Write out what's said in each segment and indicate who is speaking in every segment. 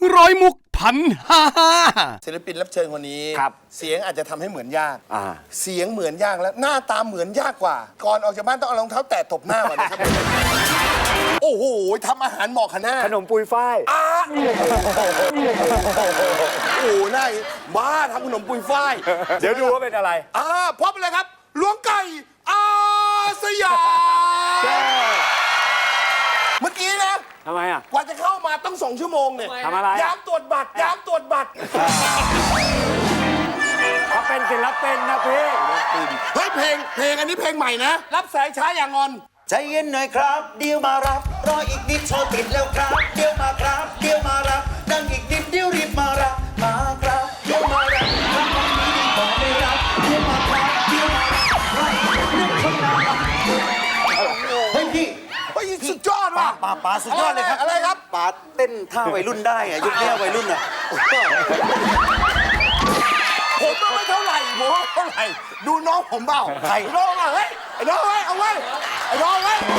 Speaker 1: ร้อยมุกพันห้า
Speaker 2: ศิลปินรับเชิญคนนี้
Speaker 3: ครับ
Speaker 2: เสียงอาจจะทำให้เหมือนยาก
Speaker 3: อ่า
Speaker 2: เสียงเหมือนยากแล้วหน้าตาเหมือนยากกว่า ก่อนออกจากบ้านต้องเอารองเท้าแตะตบหน้าก่อนนะครับ โอ้โหทำอาหารเหมาะขนาด
Speaker 3: ขนมปุยฝ้าย
Speaker 2: โอ้โหน่าบ้าทำขนมปุยฝ้าย
Speaker 3: เดี๋ยวดูว่าเป็นอะไร
Speaker 2: พบเลยครับหลวงไก่อาสยามเมื่อกี้นะ
Speaker 3: ทำไมอ่ะ
Speaker 2: กว่าจะเข้ามาต้อง2 ชั่วโมงเนี่ย
Speaker 3: ทำอะไร
Speaker 2: ยามตรวจบัตรยามตรวจบัตร
Speaker 3: เขาเป็นศิลปินนะพี่
Speaker 2: เฮ้ยเพลงอันนี้เพลงใหม่นะ รับสายช้าอย่างงอน
Speaker 4: ใจเย็นหน่อยครับเดี๋ยวมารับรออีกนิดโชว์ติดแล้วครับเดี๋ยวมาครับเดี๋ยวมารับดังอีกนิดเดี๋ยวรีบมารับมาครับเดี๋ยวมารับทำแบบนี้ดีกว่าไม่รับเดี๋ยวมาครับเดี๋ยวมารับให้เรื่องคนน่ารักเฮ้ยพี่
Speaker 2: เฮ้ยสุดยอดว่ะ
Speaker 4: ป๋าสุดยอดเลยครับ
Speaker 2: อะไรครับ
Speaker 4: ป๋าเต้นท่าวัยรุ่นได้อะยุคนี้วัยรุ่นอะ
Speaker 2: ผมก็ไม่เท่าไหร่ผมไม่เท่าไหร่ดูน้องผมเปล่า
Speaker 4: ใคร
Speaker 2: น้องอ่ะเฮ้ยไอ้น้องเฮ้ยเอาไว้ไอ้น้องเฮ้ย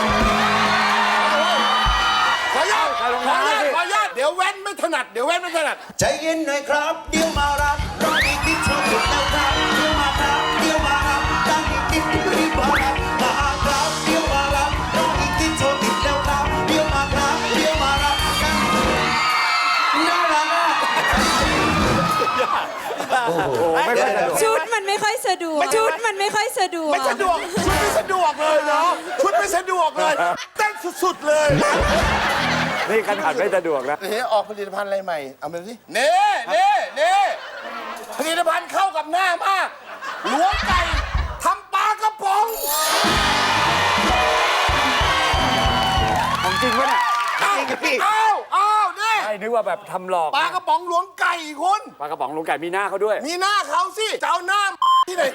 Speaker 2: ขออนุญาตเดี๋ยวแว่นไม่ถนัด
Speaker 4: ใจเย็นหน่อยครับเดี๋ยวมารับรออีกนิดโชว์ติดแล้วครับเดี๋ยวมาครับเดี๋ยวมารับดังอีกนิดเดี๋ยวรีบมารับมาครับเดี๋ยวมารับรออีกนิดโชว์ติดแล้วครับเดี๋ยวมาครับเดี๋ยวมารับน่ารักอะ
Speaker 3: ไม่ค่อยสะดวก
Speaker 5: ชุดมันไม่ค่อยสะดวก ชุดมันไม่ค่อยสะดวก
Speaker 2: ไม่สะดวกชุดไม่สะดวกเลยเนาะชุดไม่สะดวกเลยเต้นสุดๆเลย
Speaker 3: นี่ขนาดไม่สะดวกแล้ว
Speaker 2: เฮ้ออกผลิตภัณฑ์อะไรใหม่เอามาสิเน่ผลิตภัณฑ์เข้ากับหน้ามากหลวงไก่ทำปลากระป๋อง
Speaker 3: ของจริงปะเนี่ย
Speaker 2: อ้าวนี่
Speaker 3: ไอ้นึกว่าแบบทำหลอก
Speaker 2: ปลากระป๋องหลวงไก่คุณ
Speaker 3: ปลากระป๋องลุงไก่มีหน้าเขาด้วย
Speaker 2: มีหน้าเขาสิจะเอาหน้าที่ไหน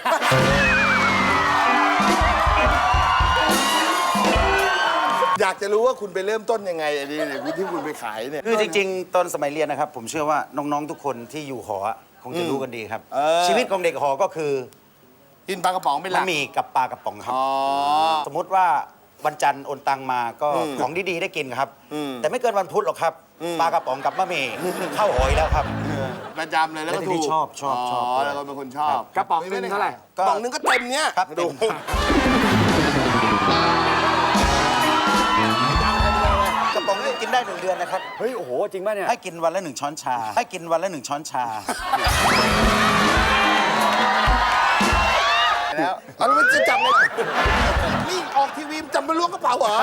Speaker 2: อยากจะรู้ว่าคุณไปเริ่มต้นยังไงอันนี้ที่คุณไปขายเนี่ย
Speaker 4: คือจริงๆ ตอนสมัยเรียนนะครับ ผมเชื่อว่าน้องๆ ทุกคนที่อยู่หอคงจะรู้กันดีครับ ชีวิตของเด็กหอก็คือ
Speaker 2: กินปลากระป๋องเป็นห
Speaker 4: บะ
Speaker 2: ลัก
Speaker 4: หมี่กับปลากระป๋องครับ
Speaker 2: อ๋อ
Speaker 4: สมมุติว่าวันจันทร์โอนตังมาก็ของดีๆได้กินครับ แต่ไม่เกินวันพุธหรอกครับ ปลากระป๋องกับบะหมี่เข้าหอยแล้วครับ
Speaker 2: ประจำเลยแล้วก็
Speaker 4: แล้วที
Speaker 2: ถู
Speaker 4: นี้
Speaker 2: ก
Speaker 4: ชอบ
Speaker 2: แล้วก็เป็นคนชอบ
Speaker 3: กระป๋องหนึงเท่าไหร่
Speaker 2: กระป๋องนึงก็เต็มเนี้ย
Speaker 4: ครับ
Speaker 2: ดู
Speaker 4: เต็ม กระป๋องนึงกินได้1 เดือนนะครับ
Speaker 3: เฮ้ย โอ้โห จริงป่ะเนี่ย
Speaker 4: ให้กินวันละ1 ช้อนชา ให้กินวันละ1 ช้อนชา
Speaker 2: แล้วเอาแล้วมันจะจับเลยนี่ออกทีวีจับมาล้วงกระเป๋าเหรอ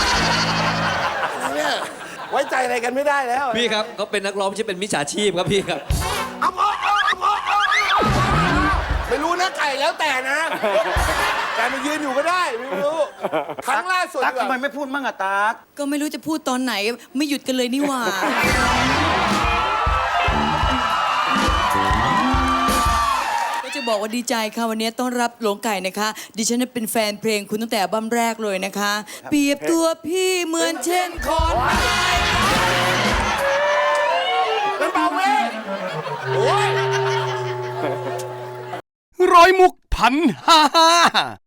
Speaker 2: เนี่ยไว้ใจอะไรกันไม่ได้แล้ว
Speaker 1: พี่ครับเขาเป็นนักร้องไม่ใช่เป็นมิจฉาชีพครับพี่ครับ
Speaker 2: เอาไม่รู้นะไก่แล้วแต่นะ แต่มายืนอยู่ก็ได้ไม่รู้ครั้งล่าสุด
Speaker 4: ตั๊กทำไมไม่พูดมั่งอะตั๊ก
Speaker 5: ก็ไม่รู้จะพูดตอนไหนไม่หยุดกันเลยนี่หว่า ก็จะบอกว่าดีใจค่ะวันนี้ต้อนรับหลวงไก่นะคะ ดิฉันเป็นแฟนเพลงคุณตั้งแต่อัลบั้มแรกเลยนะคะ เปรียบตัวพี่เหมือนเช่นคอนไม้
Speaker 2: เป็นเบาเว้ยโอ้ย
Speaker 1: ร้อยมุกพันห้า